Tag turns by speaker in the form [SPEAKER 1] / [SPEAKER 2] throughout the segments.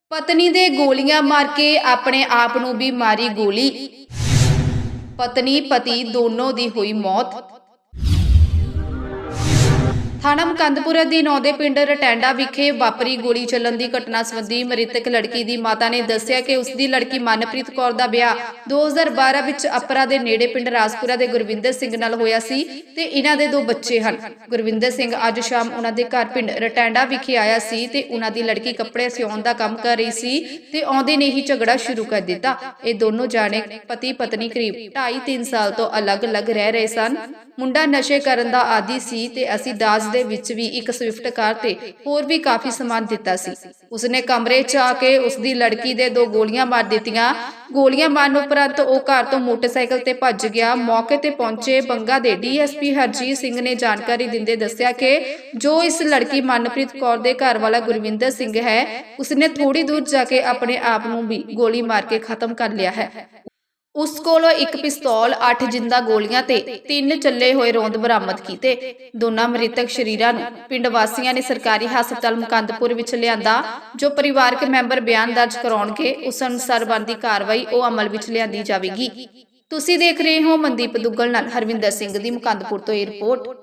[SPEAKER 1] ਪਤਨੀ ਦੇ ਗੋਲੀਆਂ ਮਾਰ ਕੇ ਆਪਣੇ ਆਪ ਨੂੰ ਵੀ ਮਾਰੀ ਗੋਲੀ। ਪਤਨੀ ਪਤੀ ਦੋਨੋਂ ਦੀ ਹੋਈ ਮੌਤ। ਥਾਣਾ ਮੁਕੰਦਪੁਰ ਅਧੀਨ ਆਉਂਦੇ ਪਿੰਡ ਰਟੈਂਡਾ ਵਿਖੇ ਵਾਪਰੀ ਗੋਲੀ ਚੱਲਣ ਦੀ ਘਟਨਾ ਸੰਬੰਧੀ ਮ੍ਰਿਤਕ ਲੜਕੀ ਦੀ ਮਾਤਾ ਨੇ ਦੱਸਿਆ ਕਿ ਉਸ ਦੀ ਲੜਕੀ ਮਨਪ੍ਰੀਤ ਕੌਰ ਦਾ ਵਿਆਹ 2012 ਵਿੱਚ ਅਪਰਾ ਦੇ ਨੇੜੇ ਪਿੰਡ ਰਾਜਪੁਰਾ ਦੇ ਗੁਰਵਿੰਦਰ ਸਿੰਘ ਨਾਲ ਹੋਇਆ ਸੀ ਤੇ ਇਹਨਾਂ ਦੇ 2 ਬੱਚੇ ਹਨ। ਗੁਰਵਿੰਦਰ ਸਿੰਘ ਅੱਜ ਸ਼ਾਮ ਉਹਨਾਂ ਦੇ ਘਰ ਪਿੰਡ ਰਟੈਂਡਾ ਵਿਖੇ ਆਇਆ ਸੀ ਤੇ ਉਹਨਾਂ ਦੀ ਲੜਕੀ ਕੱਪੜੇ ਸਿਉਣ ਦਾ ਕੰਮ ਕਰ ਰਹੀ ਸੀ ਤੇ ਆਉਂਦੇ ਨੇ ਹੀ ਝਗੜਾ ਸ਼ੁਰੂ ਕਰ ਦਿੱਤਾ। ਇਹ ਦੋਨੋਂ ਜਾਣੇ ਪਤੀ ਪਤਨੀ ਕਰੀਬ 2.5-3 ਸਾਲ ਤੋਂ ਅਲੱਗ-ਅਲੱਗ ਰਹਿ ਰਹੇ ਸਨ। ਮੁੰਡਾ ਨਸ਼ੇ ਕਰਨ ਦਾ ਆਦੀ ਸੀ ਤੇ ਅਸੀਂ ਦਾਜ ਦੇ ਵਿੱਚ ਵੀ ਇੱਕ ਸਵਿਫਟ ਕਾਰ ਤੇ ਹੋਰ ਵੀ ਕਾਫੀ ਸਮਾਨ ਦਿੱਤਾ ਸੀ। ਉਸਨੇ ਕਮਰੇ 'ਚ ਆ ਕੇ ਉਸਦੀ ਲੜਕੀ ਦੇ 2 ਗੋਲੀਆਂ ਮਾਰ ਦਿੱਤੀਆਂ। ਗੋਲੀਆਂ ਮਾਰਨ ਉਪਰੰਤ ਉਹ ਘਰ ਤੋਂ ਮੋਟਰਸਾਈਕਲ ਤੇ ਭੱਜ ਗਿਆ। ਮੌਕੇ ਤੇ ਪਹੁੰਚੇ ਬੰਗਾ ਦੇ ਡੀਐਸਪੀ ਹਰਜੀਤ ਸਿੰਘ ਨੇ ਜਾਣਕਾਰੀ ਦਿੰਦੇ ਦੱਸਿਆ ਕਿ ਜੋ ਇਸ ਲੜਕੀ ਮਨਪ੍ਰੀਤ ਕੌਰ ਦੇ ਘਰ ਵਾਲਾ ਗੁਰਵਿੰਦਰ ਸਿੰਘ ਹੈ, ਉਸਨੇ ਥੋੜੀ ਦੂਰ ਜਾ ਕੇ ਆਪਣੇ ਆਪ ਨੂੰ ਵੀ ਗੋਲੀ ਮਾਰ ਕੇ ਖਤਮ ਕਰ ਲਿਆ ਹੈ। ਉਸ ਕੋਲੋਂ 1 ਪਿਸਤੌਲ, 8 ਜਿੰਦਾ ਗੋਲੀਆਂ ਤੇ 3 ਚੱਲੇ ਹੋਏ ਰੌਂਦ ਬਰਾਮਦ ਕੀਤੇ। ਦੋਨਾਂ ਮ੍ਰਿਤਕ ਸ਼ਰੀਰਾਂ ਨੂੰ ਪਿੰਡ ਵਾਸੀਆਂ ਨੇ ਸਰਕਾਰੀ ਹਸਪਤਾਲ ਮੁਕੰਦਪੁਰ ਵਿੱਚ ਲਿਆਂਦਾ। ਜੋ ਪਰਿਵਾਰਕ ਮੈਂਬਰ ਬਿਆਨ ਦਰਜ ਕਰਾਉਣਗੇ, ਉਸ ਅਨੁਸਾਰ ਬਣਦੀ ਕਾਰਵਾਈ ਉਹ ਅਮਲ ਵਿੱਚ ਲਿਆਂਦੀ ਜਾਵੇਗੀ। ਤੁਸੀਂ ਦੇਖ ਰਹੇ ਹੋ ਮਨਦੀਪ ਦੁੱਗਲ ਨਾਲ ਹਰਵਿੰਦਰ ਸਿੰਘ ਦੀ ਮੁਕੰਦਪੁਰ ਤੋਂ ਇਹ ਰਿਪੋਰਟ।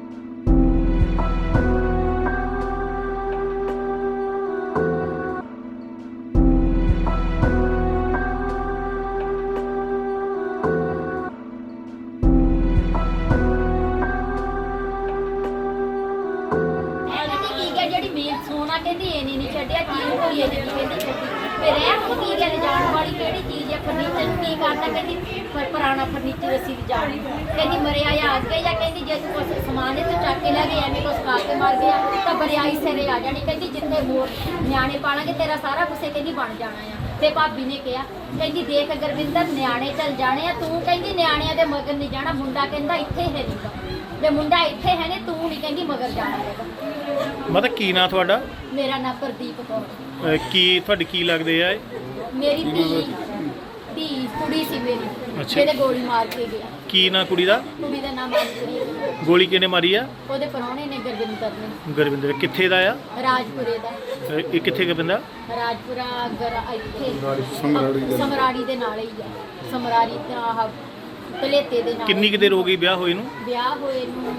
[SPEAKER 2] सोना कहती ये नहीं छड्या चीज होई है जी कहती छड्डी फिर रैप की गल जान वाली केड़ी चीज है फर्नीचर की करता कहती पुराना फर्नीचर असी भी जान कहती मरिया या आ गया या कहती जे तू कुछ समान तो चक के ले गए एवें कुछ खा के मर गया तो बरियाई सिरे आ जानी कहती जिथे मोर न्याणे पालांगे तेरा सारा कुछ कहती बन जाना है। ते भाभी ने कहा कहती देख गुरविंदर न्याणे चल जाने तू कहती न्याणियां दे मगर नहीं जाना मुंडा कहंदा इत्थे है नहीं जे मुंडा इत्थे है ने तू नहीं कहंदी मगर जाना है।
[SPEAKER 3] मतलब की ना थोड़ा
[SPEAKER 2] मेरा नाम प्रदीप कौर
[SPEAKER 3] की थोड़ी की लगदे आ
[SPEAKER 2] मेरी धी कुड़ी सी मेरी
[SPEAKER 3] अच्छा।
[SPEAKER 2] जेदे गोली मार के गया
[SPEAKER 3] की ना कुड़ी दा
[SPEAKER 2] नाम मनप्रीत।
[SPEAKER 3] गोली किने मारी आ
[SPEAKER 2] ओदे परौणे ने गुरविंदर
[SPEAKER 3] गुरविंदर किथे दा आ
[SPEAKER 2] राजपुरे दा
[SPEAKER 3] ਇਹ ਕਿੱਥੇ ਦਾ ਬੰਦਾ
[SPEAKER 2] राजपुरा ਇੱਥੇ ਸਮਰਾੜੀ ਦੇ ਨਾਲ ਹੀ ਆ ਸਮਰਾੜੀ ਤੇ ਆਹ ਕਲੇਤੇ ਦੇ ਨਾਲ।
[SPEAKER 3] ਕਿੰਨੀ ਕੁ ਦੇਰ ਹੋ ਗਈ ਵਿਆਹ ਹੋਏ ਨੂੰ?
[SPEAKER 2] ਵਿਆਹ ਹੋਏ ਨੂੰ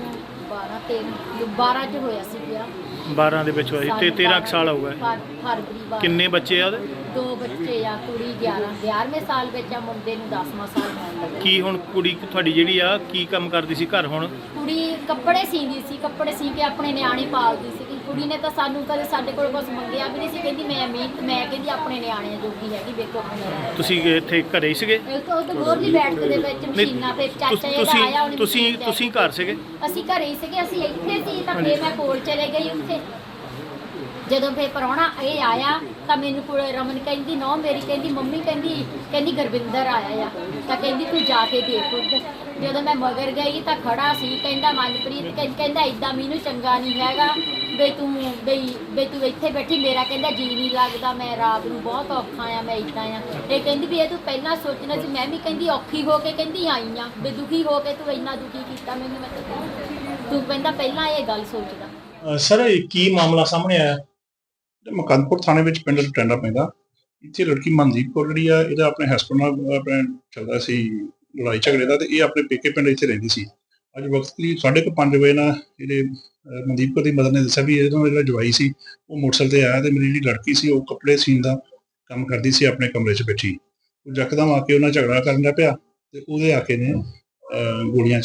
[SPEAKER 2] 12 ਚ ਹੋਇਆ ਸੀ ਵਿਆਹ।
[SPEAKER 3] 12 ਦੇ ਵਿੱਚ ਹੋਇਆ ਸੀ ਤੇ 13 ਸਾਲ ਹੋ ਗਏ।
[SPEAKER 2] ਫਰਵਰੀ ਬਾਅਦ
[SPEAKER 3] ਕਿੰਨੇ ਬੱਚੇ ਆ ਉਹਦੇ?
[SPEAKER 2] 2 ਬੱਚੇ ਆ ਕੁੜੀ 11ਵੇਂ ਸਾਲ ਵਿੱਚ ਆ ਮੁੰਡੇ ਨੂੰ 10ਵਾਂ ਸਾਲ ਹੋਣ ਲੱਗਾ।
[SPEAKER 3] ਕੀ ਹੁਣ ਕੁੜੀ ਤੁਹਾਡੀ ਜਿਹੜੀ ਆ ਕੀ ਕੰਮ ਕਰਦੀ ਸੀ ਘਰ? ਹੁਣ
[SPEAKER 2] ਕੁੜੀ ਕੱਪੜੇ ਸੀਂਦੀ ਸੀ, ਕੱਪੜੇ ਸੀ ਕੇ ਆਪਣੇ ਨਿਆਣੇ ਪਾਲਦੀ ਸੀ। ਕੁੜੀ ਨੇ ਤਾਂ ਸਾਨੂੰ ਕਦੇ ਸਾਡੇ ਕੋਲ ਕੁਝ ਮੰਗਿਆ ਵੀ ਨਹੀਂ ਸੀ। ਕਹਿੰਦੀ ਮੈਂ ਮਿਹਨਤ ਮੈਂ ਕਹਿੰਦੀ ਆਪਣੇ ਨਿਆਣਿਆਂ ਜੋਗੀ ਹੈਗੀ ਵੇਖੋ ਮੇਰਾ।
[SPEAKER 3] ਤੁਸੀਂ ਇੱਥੇ ਘਰੇ ਹੀ ਸੀਗੇ?
[SPEAKER 2] ਉਹ ਤਾਂ ਗੋਰਲੀ ਬੈਠ ਦੇ ਵਿੱਚ ਮਸ਼ੀਨਾਂ ਤੇ ਚਾਚਾ ਇਹਦਾ ਆਇਆ ਉਹਨੇ
[SPEAKER 3] ਤੁਸੀਂ ਘਰ ਸੀਗੇ?
[SPEAKER 2] ਅਸੀਂ ਘਰੇ ਹੀ ਸੀਗੇ, ਅਸੀਂ ਇੱਥੇ ਸੀ ਤਾਂ ਫੇਰ ਮੈਂ ਕੋਲ ਚਲੇ ਗਈ ਉੱਥੇ। ਜਦੋਂ ਫੇਰ ਪ੍ਰਾਹੁਣਾ ਇਹ ਆਇਆ ਤਾਂ ਮੈਨੂੰ ਕੋਲ ਰਮਨ ਕਹਿੰਦੀ ਨੌ ਮੇਰੀ ਕਹਿੰਦੀ ਮੰਮੀ ਕਹਿੰਦੀ ਗੁਰਵਿੰਦਰ ਆਇਆ ਆ ਤਾਂ ਕਹਿੰਦੀ ਤੂੰ ਜਾ ਕੇ ਦੇਖ ਉੱਧਰ। ਜਦੋਂ ਮੈਂ ਮਗਰ ਗਈ ਤਾਂ ਖੜਾ ਸੀ ਕਹਿੰਦਾ ਮਨਪ੍ਰੀਤ ਕਹਿੰਦਾ ਇਦਾਂ ਮੈਨੂੰ ਚੰਗਾ ਨਹੀਂ ਹੈਗਾ ਬਈ ਤੂੰ ਇੱਥੇ ਬੈਠੀ ਮੇਰਾ ਕਹਿੰਦਾ ਜੀ ਨਹੀਂ ਲੱਗਦਾ ਮੈਂ ਰਾਤ ਨੂੰ ਬਹੁਤ ਔਖਾ ਆ ਮੈਂ ਇਦਾਂ ਆ। ਇਹ ਕਹਿੰਦੀ ਵੀ ਇਹ ਤੂੰ ਪਹਿਲਾਂ ਸੋਚਣਾ ਸੀ ਮੈਂ ਵੀ ਕਹਿੰਦੀ ਔਖੀ ਹੋ ਕੇ ਕਹਿੰਦੀ ਆਈ ਆ ਵੀ ਦੁਖੀ ਹੋ ਕੇ ਤੂੰ ਇੰਨਾ ਦੁਖੀ ਕੀਤਾ ਮੈਨੂੰ। ਮੈਂ ਤੂੰ ਕਹਿੰਦਾ ਪਹਿਲਾਂ ਇਹ ਗੱਲ ਸੋਚਦਾ।
[SPEAKER 4] ਸਰ ਇਹ ਕੀ ਮਾਮਲਾ ਸਾਹਮਣੇ ਆਇਆ? ਮੁਕੰਦਪੁਰ ਥਾਣੇ ਵਿੱਚ ਪਿੰਡ ਰਟੈਂਡਾ ਪੈਂਦਾ। ਇੱਥੇ ਲੜਕੀ ਮਨਦੀਪ ਕੌਰ ਜਿਹੜੀ ਆ ਇਹਦਾ ਆਪਣੇ ਹਸਬੈਂਡ ਨਾਲ ਆਪਣੇ ਚੱਲਦਾ ਸੀ ਲੜਾਈ ਝਗੜੇ ਦਾ ਤੇ ਇਹ ਆਪਣੇ ਪੇਕੇ ਪਿੰਡ ਇੱਥੇ ਰਹਿੰਦੀ ਸੀ। ਅੱਜ ਵਕਤ ਲਈ 5:30 ਵਜੇ ਨਾਲ ਜਿਹੜੇ ਮਨਦੀਪ ਕੌਰ ਦੀ ਮਦਰ ਨੇ ਦੱਸਿਆ ਵੀ ਇਹਦਾ ਜਿਹੜਾ ਜਵਾਈ ਸੀ ਉਹ ਮੋਟਰਸਾਈਕਲ ਤੇ ਆਇਆ ਤੇ ਮੇਰੀ ਜਿਹੜੀ ਲੜਕੀ ਸੀ ਉਹ ਕੱਪੜੇ ਸੀਨ ਦਾ ਕੰਮ ਕਰਦੀ ਸੀ ਆਪਣੇ ਕਮਰੇ 'ਚ ਬੈਠੀ। ਉਹ ਯਕਦਮ ਆ ਕੇ ਉਹਨਾਂ ਝਗੜਾ ਕਰਨ ਲੱਗ ਪਿਆ ਤੇ ਉਹਦੇ ਆ ਕੇ ਨੇ ਗੋਲੀਆਂ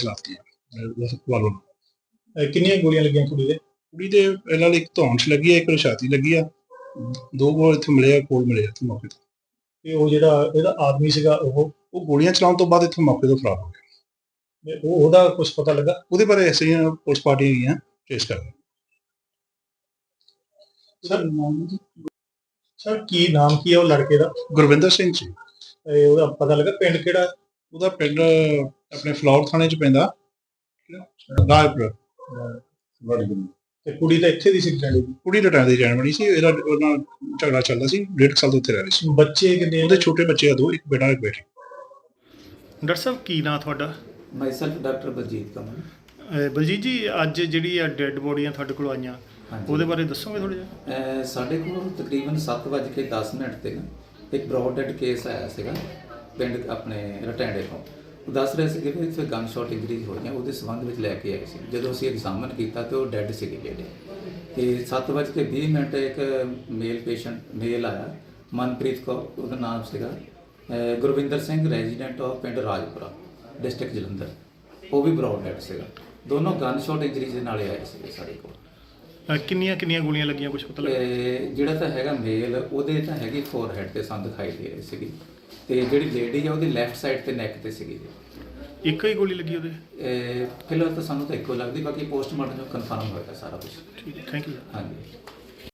[SPEAKER 4] ਚਲਾਤੀਆਂ।
[SPEAKER 5] ਕਿੰਨੀਆਂ ਗੋਲੀਆਂ ਲੱਗੀਆਂ ਕੁੜੀ ਦੇ
[SPEAKER 4] ਇਹਨਾਂ ਲਈ ਇੱਕ ਧੌਣ 'ਚ ਲੱਗੀ ਆ, ਇੱਕ ਛਾਤੀ ਲੱਗੀ ਆ, 2 ਗੋਲ ਇੱਥੇ ਮਿਲੇ ਆ, ਕੋਲ ਮਿਲੇ ਇੱਥੇ ਮੌਕੇ ਤੇ।
[SPEAKER 5] ਤੇ ਉਹ ਜਿਹੜਾ ਇਹਦਾ ਆਦਮੀ ਸੀਗਾ
[SPEAKER 4] ਉਹ ਗੋਲੀਆਂ ਚਲਾਉਣ ਤੋਂ ਬਾਅਦ ਇੱਥੋਂ ਮੌਕੇ ਤੋਂ ਫਰਾਰ ਹੋ ਗਿਆ।
[SPEAKER 5] ਉਹਦਾ ਕੁਝ ਪਤਾ ਲੱਗਾ?
[SPEAKER 4] ਉਹਦੇ ਬਾਰੇ ਐਸੇ ਹੀ ਪੁਲਿਸ ਪਾਰਟੀਆਂ ਗਈਆਂ ਟ੍ਰੇਸ ਕਰ
[SPEAKER 5] ਸਰ ਕੀ ਨਾਮ ਕੀ ਹੈ ਉਹ ਲੜਕੇ ਦਾ?
[SPEAKER 4] ਗੁਰਵਿੰਦਰ ਸਿੰਘ ਜੀ।
[SPEAKER 5] ਉਹਦਾ ਪਤਾ ਲੱਗਾ ਪਿੰਡ ਕਿਹੜਾ?
[SPEAKER 4] ਉਹਦਾ ਪਿੰਡ ਆਪਣੇ ਫਲੌਰ ਥਾਣੇ 'ਚ ਪੈਂਦਾ ਰਾਜਪੁਰ।
[SPEAKER 5] ਤੇ ਕੁੜੀ ਤਾਂ ਇੱਥੇ ਦੀ ਸੀ ਰਟੈਂਡੇ ਦੀ?
[SPEAKER 4] ਕੁੜੀ ਰਟੈਂਡੇ ਦੀ ਜਾਣ ਬਣੀ ਸੀ। ਇਹਦਾ ਉਹਨਾਂ ਝਗੜਾ ਚੱਲਦਾ ਸੀ, 1.5 ਸਾਲ ਤੋਂ ਉੱਥੇ ਰਹਿ ਰਹੀ ਸੀ।
[SPEAKER 5] ਬੱਚੇ ਕਿੰਨੇ?
[SPEAKER 4] ਉਹਦੇ ਛੋਟੇ ਬੱਚੇ ਆ 2, ਇੱਕ ਬੇਟਾ ਇੱਕ ਬੇਟੀ।
[SPEAKER 3] ਡਾਕਟਰ ਸਾਹਿਬ ਕੀ ਨਾਂ ਤੁਹਾਡਾ?
[SPEAKER 6] Myself doctor Baljeet Kamal.
[SPEAKER 3] ਬਲਜੀਤ ਜੀ ਅੱਜ ਜਿਹੜੀ ਆ ਡੈੱਡ ਬੋਡੀਆਂ ਤੁਹਾਡੇ ਕੋਲ ਆਈਆਂ
[SPEAKER 6] ਹਾਂਜੀ।
[SPEAKER 3] ਉਹਦੇ ਬਾਰੇ ਦੱਸੋਗੇ ਥੋੜ੍ਹਾ ਜਿਹਾ?
[SPEAKER 6] ਸਾਡੇ ਕੋਲ ਤਕਰੀਬਨ 7:10 ਤੇ ਨਾ ਇੱਕ ਬਰੌਡ ਡੈਡ ਕੇਸ ਆਇਆ ਸੀਗਾ ਪਿੰਡ ਆਪਣੇ ਰਟੈਂਡੇ ਤੋਂ। ਉਹ ਦੱਸ ਰਹੇ ਸੀਗੇ ਵੀ ਇੱਥੇ ਗਨ ਸ਼ਾਟ ਇੰਜਰੀਜ਼ ਹੋਈਆਂ, ਉਹਦੇ ਸੰਬੰਧ ਵਿੱਚ ਲੈ ਕੇ ਆਏ ਸੀ। ਜਦੋਂ ਅਸੀਂ ਐਗਜ਼ਾਮਨ ਕੀਤਾ ਤੇ ਉਹ ਡੈੱਡ ਸੀਗੇ ਜਿਹੜੇ। ਤੇ 7:20 ਇੱਕ ਮੇਲ ਪੇਸ਼ੈਂਟ ਮੇਲ ਆਇਆ, ਮਨਪ੍ਰੀਤ ਕੌਰ ਉਹਦਾ ਨਾਮ ਸੀਗਾ, ਗੁਰਵਿੰਦਰ ਸਿੰਘ ਰੈਜ਼ੀਡੈਂਟ ਆਫ ਪਿੰਡ ਰਾਜਪੁਰਾ ਡਿਸਟ੍ਰਿਕਟ ਜਲੰਧਰ। ਉਹ ਵੀ ਬਰੌਡ ਡੈਡ ਸੀਗਾ। ਦੋਨੋਂ ਗਨ ਸ਼ਾਟ ਇੰਜਰੀਜ਼ ਦੇ ਨਾਲ ਆਏ ਸੀਗੇ ਸਾਡੇ ਕੋਲ।
[SPEAKER 3] ਕਿੰਨੀਆਂ ਕਿੰਨੀਆਂ ਗੋਲੀਆਂ ਲੱਗੀਆਂ, ਕੁਝ ਪਤਾ ਲੱਗਾ?
[SPEAKER 6] ਜਿਹੜਾ ਤਾਂ ਹੈਗਾ ਮੇਲ ਉਹਦੇ ਤਾਂ ਹੈਗੀ ਫੋਰਹੈਡ ਤੇ ਸਾਨੂੰ ਦਿਖਾਈ ਦੇ ਰਹੀ ਸੀਗੀ, ਤੇ ਜਿਹੜੀ ਲੇਡੀ ਆ ਉਹਦੀ ਲੈਫਟ ਸਾਈਡ ਤੇ ਨੈਕ ਤੇ ਸੀਗੀ।
[SPEAKER 3] ਇੱਕ ਹੀ ਗੋਲੀ ਲੱਗੀ ਉਹਦੇ?
[SPEAKER 6] ਫਿਲਹਾਲ ਤਾਂ ਸਾਨੂੰ ਤਾਂ ਇੱਕੋ ਲੱਗਦੀ, ਬਾਕੀ ਪੋਸਟਮਾਰਟਮ ਜੋ ਕਨਫਰਮ ਹੋਏਗਾ ਸਾਰਾ ਕੁਝ।
[SPEAKER 3] ਠੀਕ, ਥੈਂਕ ਯੂ।
[SPEAKER 6] ਹਾਂਜੀ।